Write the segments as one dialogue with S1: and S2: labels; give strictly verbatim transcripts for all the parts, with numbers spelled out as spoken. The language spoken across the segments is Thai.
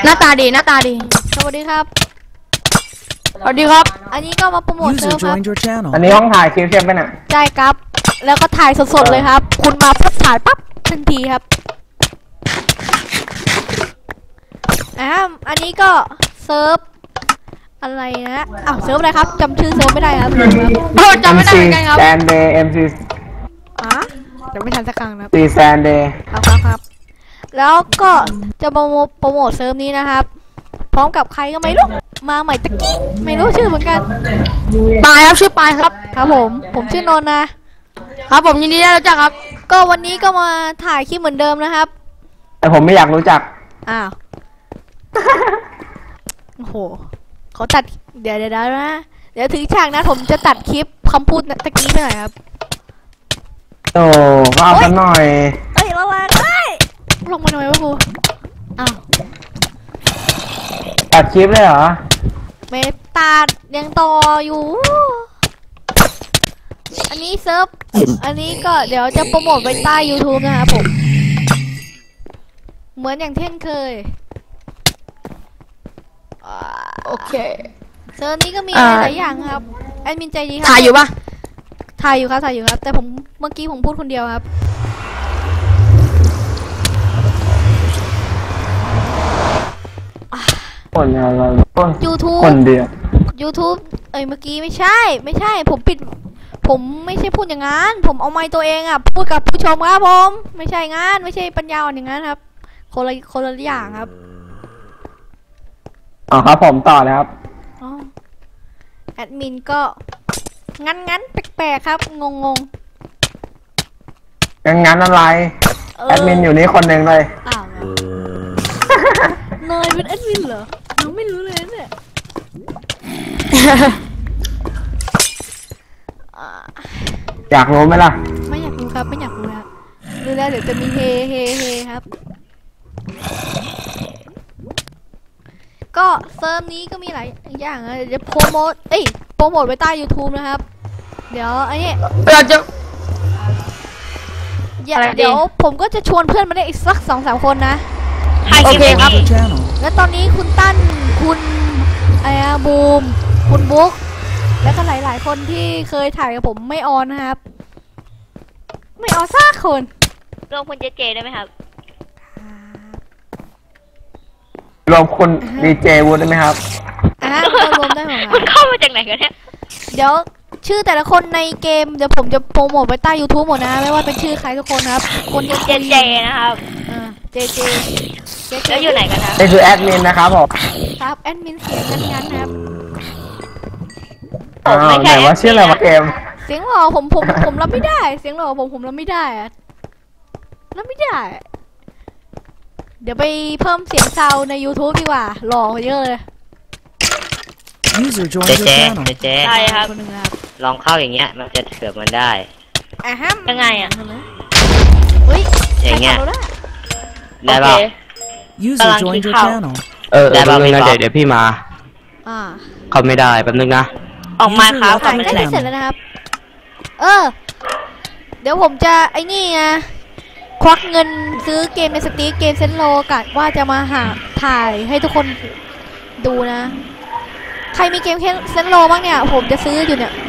S1: น้าตาดีหน้าตาดี
S2: สวัสดีครับ
S1: สวัสดีครับ
S2: อันนี้ก็มาโปรโมทเซิร์ฟครับ
S3: อันนี้ห้องถ่ายคลิปใช่ไหมน่ะ
S2: ใช่ครับแล้วก็ถ่ายสดๆเลยครับคุณมาปุ๊บถ่ายปั๊บทันทีครับอ่าอันนี้ก็เซิร์ฟอะไรนะอ้าวเซิร์ฟอะไรครับจำชื่อเซิร์ฟไม่ได้ครับ
S1: โอ้จำไม่ได้เหมือนกันครับ
S3: แซนเดย์เอ็มซี
S2: อ่ะจะไม่ทันสักครั้งนะ
S3: ซีแซนเดย์
S2: ครับครับครับแล้วก็จะโปรโมทโปรโมทเซิร์ฟนี้นะครับพร้อมกับใครก็ไม่รู้มาใหม่ตะกี้ไม่รู้ชื่อเหมือนกัน
S1: ปายครับชื่อปายครับ
S2: ครับผมผมชื่อนนท์นะครับ
S1: ผมยินดีได้รู้จักครับ
S2: ก็วันนี้ก็มาถ่ายคลิปเหมือนเดิมนะครับ
S3: แต่ผมไม่อยากรู้จัก
S2: อ้าวโอ้โหเขาตัดเดี๋ยวเดี๋ยวนะเดี๋ยวถึงฉากนะผมจะตัดคลิปคำพูดตะกี้ไปหน่อยครับ
S3: โอ้ก็เอากันหน่อย
S2: เอ้ยละลายได้ลงมาหน่อยวะครูอ้าว
S3: ตัดคลิปเลยเหรอ
S2: ไม่ตัดยังต่ออยู่อันนี้เซิร์ฟอันนี้ก็เดี๋ยวจะโปรโมทไว้ใต้ YouTube นะครับผมเหมือนอย่างเช่นเคย
S1: โอเค
S2: เซิร์ฟนี้ก็มีหลายอย่างครับแอดมินใจดีครับ
S1: ถ่ายอยู่ปะ
S2: ถ่ายอยู่ครับถ่ายอยู่ครับแต่ผมเมื่อกี้ผมพูดคนเดียวครับ
S3: คนอะไร
S2: ยูทูบ
S3: คนเดียว
S2: YouTube เอ้ยเมื่อกี้ไม่ใช่ไม่ใช่ผมปิดผมไม่ใช่พูดอย่างนั้นผมเอาไมค์ตัวเองอ่ะพูดกับผู้ชมครับผมไม่ใช่งานไม่ใช่ปัญญาอ่อนอย่างนั้นครับคนละคนละอย่างครับ
S3: อ๋อครับผมต่อเลยครับ
S2: แอดมินก็งั้นงั้นแปลกๆครับงงง
S3: งั้นงั้นอะไรแอดมินอยู่นี่คนหนึ่งเลย
S2: อ้าวเนยเป็นแอดมินเหรอเราไม่รู้เลยเนี่ย
S3: อยากรู้ไหมล่ะ
S2: ไม่อยากรู้ครับไม่อยากรู้แล้วรู้แล้วเดี๋ยวจะมีเฮเฮเฮครับก็เซิร์ฟนี้ก็มีหลายอย่างนะเดี๋ยวโปรโมทเอ้ยโปรโมทไว้ใต้ YouTube นะครับเดี๋ยวไอ้นี่
S1: เราจะ
S2: เดี๋ยวผมก็จะชวนเพื่อนมาได้อีกสักสองสามคนนะ
S1: โอเคครับ
S2: และตอนนี้คุณตั้นคุณไอ้บูมคุณบุ๊กและก็หลายๆคนที่เคยถ่ายกับผมไม่ออนนะครับไม่ออนสักคน
S4: รวมคุณเจเจได้ไหมครับ
S3: รวมคุณดีเจวูดได้ไหมครับ
S2: อ่ารวมได้หมด
S4: มันเข้ามาจากไหนกันเนี่ย
S2: เดี๋ยวชื่อแต่ละคนในเกมเดี๋ยวผมจะโปรโมทไว้ใต้ YouTube หมดนะไม่ว่าเป็นชื่อใครทุกคนครับคน
S4: เจเจนะครับ
S2: อ่าเจเจ
S4: แล้วอยู่ไหนกันครับ
S3: นี่คือแอดมินนะครับผม
S2: ครับแอดมินเสียงงั้นๆนะครับ
S3: อ้าวไหนว่าชื่ออะไรวะเกม
S2: เสียงหล่อผมผมผมรับไม่ได้เสียงหล่อผมผมรับไม่ได้อะรับไม่ได้เดี๋ยวไปเพิ่มเสียงซาวใน YouTube ดีกว่าหล่อเยอะเลย
S5: เจเจเจเจ
S4: ใช่ครับ
S5: ลองเข้าอย่างเงี้ยมันจะเถื่อมันได้
S2: อ่ะฮะ
S4: ยังไงอ่ะ
S2: เฮ้ย
S5: อย่างเงี้ยได้ป่ะ
S4: กำลังคิดเข้า
S5: เออได้ป่ะไม่ได้เดี๋ยวพี่มา
S2: อ่า
S5: เขาไม่ได้แป๊บนึงนะ
S4: ออกมาครับ
S2: ถ่ายใกล้เสร็จแล้วนะครับเออเดี๋ยวผมจะไอ้นี่ไงควักเงินซื้อเกมในสตีเกมเซนโลกันว่าจะมาหาถ่ายให้ทุกคนดูนะใครมีเกมเซนโลบ้างเนี่ยผมจะซื้ออยู่เนี่ย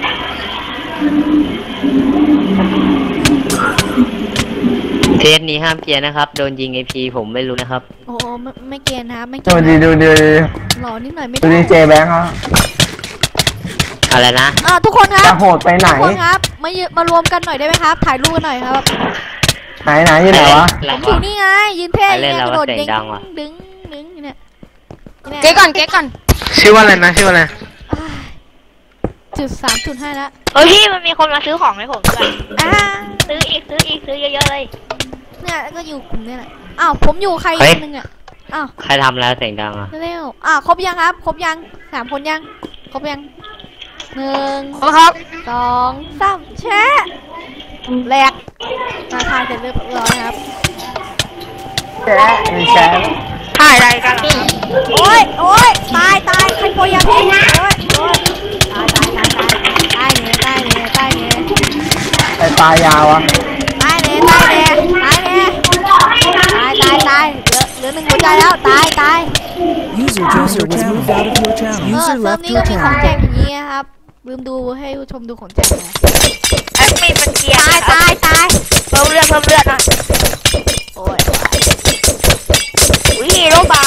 S5: เทสนี้ห้ามเกียร์นะครับโดนยิงไอพีผมไม่รู้นะครับ
S2: โอ้ไม่ไม่เกียร์นะไม่เกี
S3: ยร์ดูดีดูดี
S2: หล่อนิดหน่อยไม่
S3: ได้ดูดีเจแบงค์ครับ
S5: อะไรนะ
S2: อ่าทุกคนครับ
S3: จะโหดไปไหน
S2: ทุกคนครับมามารวมกันหน่อยได้ไหมครับถ่ายรูปกันหน่อยครับ
S3: ไหนไหนอยู่ไหนวะ
S2: ผมอยู่นี่ไงยืนเท่ยืนกระโดดดึงดึงดึงเนี่ย
S1: เก๊ก่อนเก๊ก่อน
S3: ชื่อว่าอะไรนะชื่อว่าอะไร
S2: จุดสามจุดห้าแล้ว
S4: เฮ้ยพี่มันมีคนมาซื้อของให้ผมด้วย
S2: อ่า
S4: ซื้ออีกซื้ออีกซื้อเยอะๆเลย
S2: เนี่ยก็อยู่กลุ่มนี่แหละอ้าวผมอยู่ใครคนนึงอ่ะอ้าว
S5: ใครทำแล้วเสียงดังอ่ะ
S2: เร็วอ้าวครบยังครับครบยังสามคนยังครบยังหนึ่ง
S1: ครับ
S2: สองสามแชะแหลกมาถ่ายเสร็จเรียบร้อยครับ
S3: แชะมีแชะ
S1: ถ่ายอะไรกัน
S2: โอ้ยโอ้ยตายตายใครโปรยาพี่โอ้ยโอ้ยตายตายตายตายตายเนี่ยตายเนี่ยตายเนี่ย
S3: ไอ้ปลายาวอ่ะ
S2: ตายเนี่ยตายเนี่ยตายเนี่ยตายตายตายเหลือเหลือหนึ่งหัวใจแล้วตายตาย
S6: User joined your channel. Moved out of your
S2: เอ
S6: channel.
S2: อ
S6: User
S2: เซิร์ฟ
S6: left
S2: นี้
S6: your
S2: ก็มีของ
S6: channel.
S2: แจกอย่างนี้นะครับลืมดูให้ผู้ชมดูของแจกนะ
S4: แอดมินมันเกลียด
S2: ตายตายตาย
S4: เพิ่มเลือดเพิ่มเลือดหน่อย
S2: โอ้ย
S4: อุ้ยฮีโร่บาย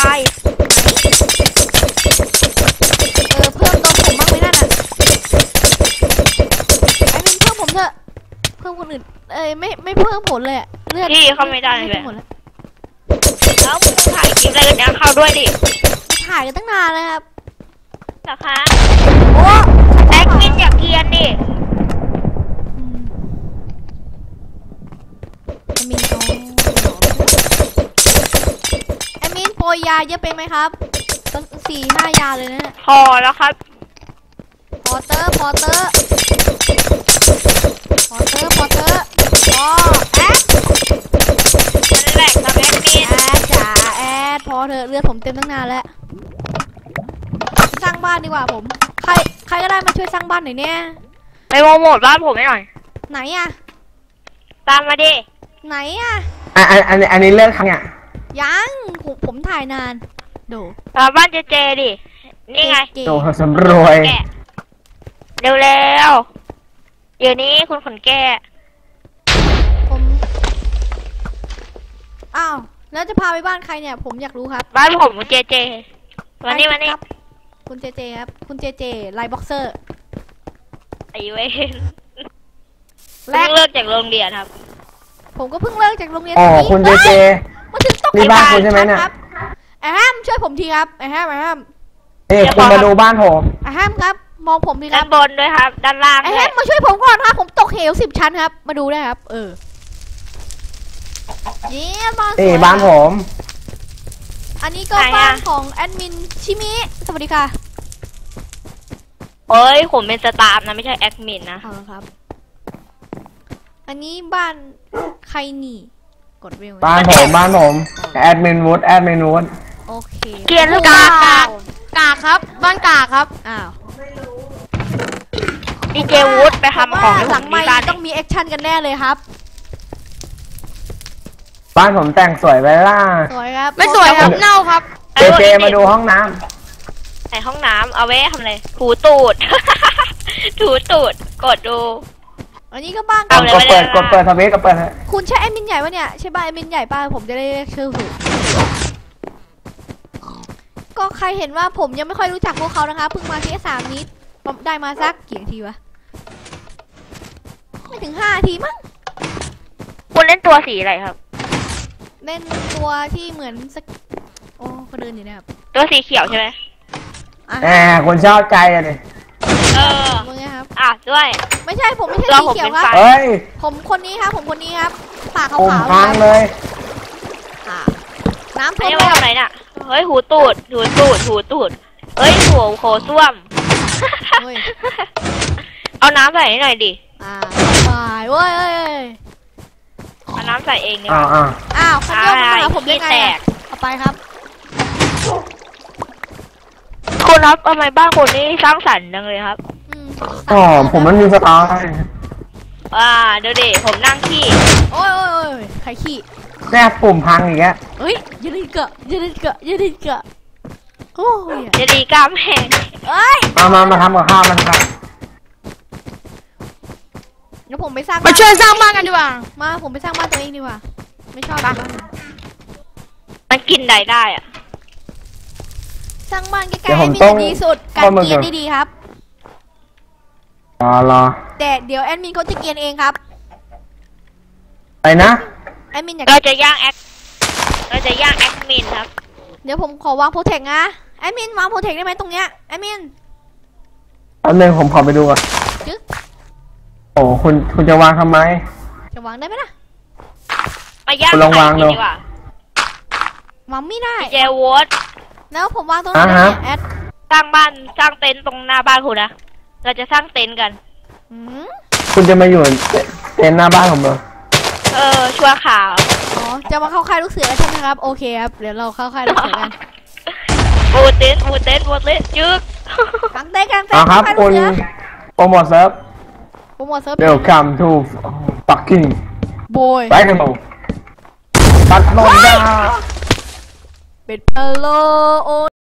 S2: เออเพิ่มตัวผมบ้างไหมนั่นอ่ะไอ้มินเพิ่มผมเถอะเพิ่มคนอื่นเอ้ยไม่ไม่เพิ่มผลเลยอะเลือด
S4: พี่เข้าไม่ได้เลย
S2: เพิ่มผลแล้ว
S4: แล้วมึงถ่ายคลิปอะไรกันเนี่ยเข้าด้วยดิ
S2: ถ่ายกันตั้งนานเลยครับ
S4: เหรอคะ
S2: โอ้
S4: แอดมินอย่าเกลียดดิ
S2: อืมไอ้มินเขาไอ้มินโปรยยาเยอะไปไหมครับตั้งสี่ห้ายาเลยนะเนี่ย
S4: พอแล้วครับ
S2: พอเตอร์พอเตอร์พอเตอร์พอเตอร์พอแอด
S4: มันแหลกครับแอดมิน
S2: แอดจ๋าแอดพอเถอะเลือดผมเต็มตั้งนานแล้วสร้างบ้านดีกว่าผมใครใครก็ได้มาช่วยสร้างบ้านหน่อยเนี่ย
S4: ไปโปรโมทบ้านผมให้หน่อย
S2: ไหนอะ
S4: ตามมาดิ
S2: ไหนอะ
S3: อ่ะอันอันอันนี้เลิกครั้งเนี่ย
S2: ยังผมผมถ่ายนานดู
S4: ตามบ้านเจเจดิ นี่ไง
S2: เก๋
S3: โตสำรวย
S4: แกะเร็วๆเดี๋ยวนี้คุณขนแกะ
S2: ผมอ้าวแล้วจะพาไปบ้านใครเนี่ยผมอยากรู้ครับ
S4: บ้านผมเจเจวันนี้วันนี้
S2: ครับคุณเจเจครับคุณเจเจไลน์บ็อกเซอร์
S4: ไอเวน
S2: แร
S4: เพิ่
S2: ก
S4: งเลิกจากโรงเรียนครับ
S2: ผมก็เพิ่งเลิกจากโรงเรียน
S3: อ๋อ
S2: นี้
S3: คุณเจเจ
S2: มาถึงต้อง
S3: นี่บ้านคุณใช่ไหมเนี่ย
S2: ครับไอ้แฮมช่วยผมทีครับไอ้แฮมไอ้แฮม
S3: นี่คุณมาดูบ้านผม
S2: ไอ้แฮมครับมองผมทีค
S4: ด้า
S2: รั
S4: น
S2: บบ
S4: นด้วยครับ ด้านล่าง
S2: ไอ้
S4: ด้
S2: แฮ
S4: วย
S2: มมาช่วยผมก่อนครับผมตกเหวสิบชั้นครับ มาดูได้ครับ เออเย้บ้านสวย
S3: นี่บ้านผม
S2: อันนี้ก็บ้านของแอดมินชิมิสวัสดีค่ะ
S4: เอ้ยผมเป็นสตาฟนะไม่ใช่แอดมินนะ
S2: เอาละครับ อันนี้บ้านใครหนีกดเวล
S3: บ้านผมบ้านผมแอดมินวูดแอดมินวูด
S2: โอเค
S4: เกลียดหรือเป
S1: กา
S4: ล่าก
S1: กากกากครับ บ้านกากครับ
S2: อ้าว
S4: ดีเจวูดไปทำของให้
S2: ห
S4: ผ
S2: ลั
S4: ม
S2: ง
S4: ที่
S2: ไม่
S4: บ้าน
S2: ต้องมีแอคชั่นกันแน่เลยครับ
S3: บ้านผมแต่งสวยไปล่ะ
S2: สวยครับ
S1: ไม่สวยครับ เน่าครับ
S3: เจเจมาดูห้องน้
S4: ในห้องน้ำเอาไว้ทำอะไรถูตูด ถูตูดกดดู
S2: อันนี้ก็บ้าน
S3: ำ
S4: เอาเลย
S3: กดเปิด
S4: ไม่ได้
S3: กดเปิดสวิตช์กดเปิด
S2: คุณใช่แอดมินใหญ่ปะเนี่ยใช่ป่ะแอดมินใหญ่ป่ะผมจะได้เรียกชื่อถูกก็ใครเห็นว่าผมยังไม่ค่อยรู้จักพวกเขานะคะเพิ่งมาที่สามนี้ได้มาสักกี่นาทีวะไม่ถึงห้านาทีมั้ง
S4: คุณเล่นตัวสีอะไรครับ
S2: เล่นตัวที่เหมือนสกโอ้เขาเดินอยู่นะครับ
S4: ตัวสีเขียวใช่ไหม
S2: อ่ะ
S3: แหมคนชอบใจอะดิ
S4: เออ
S2: มึงไงครับ
S4: อ่ะด้วย
S2: ไม่ใช่ผมไม่ใช่
S4: เรา
S2: สี
S4: ผม
S2: เขียว
S4: เป็น
S2: ครับ
S4: ฝ่าย
S3: เฮ้ย
S2: ผมคนนี้ครับผมคนนี้ครับปากขา
S3: ปุ่ม
S2: วๆ
S3: พัง
S2: ครับ
S3: เลย
S2: อ่ะน้ำ
S4: อัน
S2: ท่วม
S4: นี้
S2: แล้
S4: มาว ทำอะไรน่ะ เฮ้ยหูตูดหูตูดหูตูด เฮ้ยหัวโคส้วม
S2: เฮ้ย
S4: เอาน้ำใส่ให้หน่อยดิ
S2: อ่าสบายเว้ยเอ้ยเอ้ย
S4: เอาน้ำใส่เองดีก
S3: อ้าว
S4: ว่า
S3: อ้าว
S2: อ้าวคันโยกมาหาผมได้ไง
S4: แต
S2: อะ
S4: ก
S2: เอาไปครับ
S4: คุณครับทำไมบ้านคุณนี่สร้างสรรค์จังเลยครับ
S2: อืม
S3: อ๋อผมมันมีสไตล์
S4: อ่าเดี๋ยวดิผมนั่งขี้
S2: โอ้ยโอ้ยโอ้ยใครขี้
S3: แม่ปุ่มพังอีกแล้ว
S2: เฮ้ยอย่าเล่นเกะอย่าเล่นเกะอย่าเล่นเกะโอ้ย
S4: เดี๋ยวดีกล้ามแห้ง
S2: เอ้ย
S3: มามามาทำกับข้าวมันครับ
S2: เดี๋ยวผมไปสร้าง
S1: มาช่วยสร้างบ้านกันดีกว่า
S2: มาผมไปสร้างบ้านตัวเองดีกว่าไม่ชอบอยู่บ้าน
S4: มันกินได้ได้อะ
S2: สร้างบ้านใกล้ๆให้มีแต่ดีสุดการเกียนได้ดีครับ
S3: รอรอ
S2: แต่เดี๋ยวแอดมินเขาจะเกียนเองครับ
S3: ไปนะ
S2: แอดมินอยาก
S4: เราจะย่างแอคเราจะย่างแอดมินครับ
S2: เดี๋ยวผมขอวางโปรเทคนะแอดมินวางโปรเทคได้ไหมตรงเนี้ยแอดมิน
S3: แป๊บนึงผมขอไปดูก่อน
S2: จึ๊ก
S3: โอ้คุณคุณจะวางทำไม
S2: จะวางได้ไหมล่ะ
S4: มาย่าง
S3: คุณลองวางดู
S4: ไข่กินดีกว่าว
S2: างไม่ได้
S4: เจวอต
S2: แล้วผมวางตรงไหน
S3: อ่าฮะ
S2: เนี่ยแอด
S4: สร้างบ้านสร้างเต็นท์ตรงหน้าบ้านคุณนะ เราจะสร้างเต็นท์กัน
S2: อืม
S3: คุณจะมาอยู่เต็นท์หน้าบ้านผมเหรอ
S4: เออชัวร์ข่าว
S2: อ๋อจะมาเข้าค่ายลูกเสือใช่ไหมครับโอเคครับเดี๋ยวเราเข้าค่ายลูกเสือกัน
S4: บูเต็นท์บูเต็นท์บูเต็นท์จึ๊ก
S2: กางเต้นกางเต้น
S3: อ่าครับ
S2: ค่ายลู
S3: คุ
S2: ก
S3: ณ
S2: เสือ
S3: โปรโมทเซิร์ฟ
S2: โปรโมทเซิร์ฟ
S3: Welcome to fucking
S2: โบย
S3: Dynamo ตัดลงยา
S2: เป็นพะโลโอ